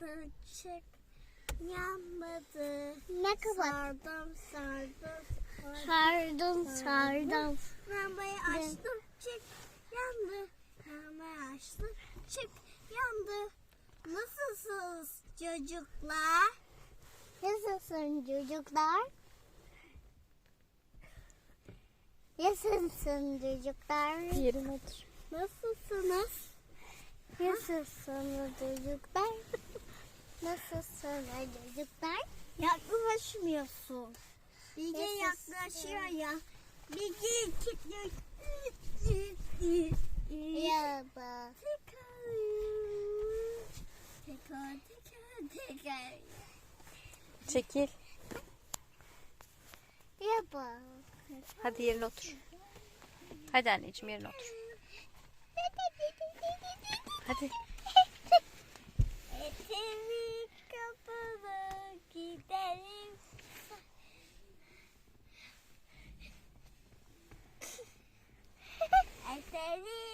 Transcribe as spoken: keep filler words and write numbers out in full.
yandı çık yanmadı. Ne kadar? Sardım sardım. Sardım sardım. Lambayı açtım çık yandı. Lambayı açtım çık yandı. Nasılsınız çocuklar? Nasılsın çocuklar? Nasılsın çocuklar? Yerine otur. Nasılsınız? Nasılsınız çocuklar? Nasılsınız çocuklar? Yaklaşmıyorsun. Bilge Nasılsın? yaklaşıyor ya. Bilge kilitliyor. Merhaba. Tekrar. Tekrar tekrar tekrar. Çekil. Merhaba. Hadi yerine otur. Hadi anneciğim yerine otur. Hadi. Etemi kapalı gidelim. Etemi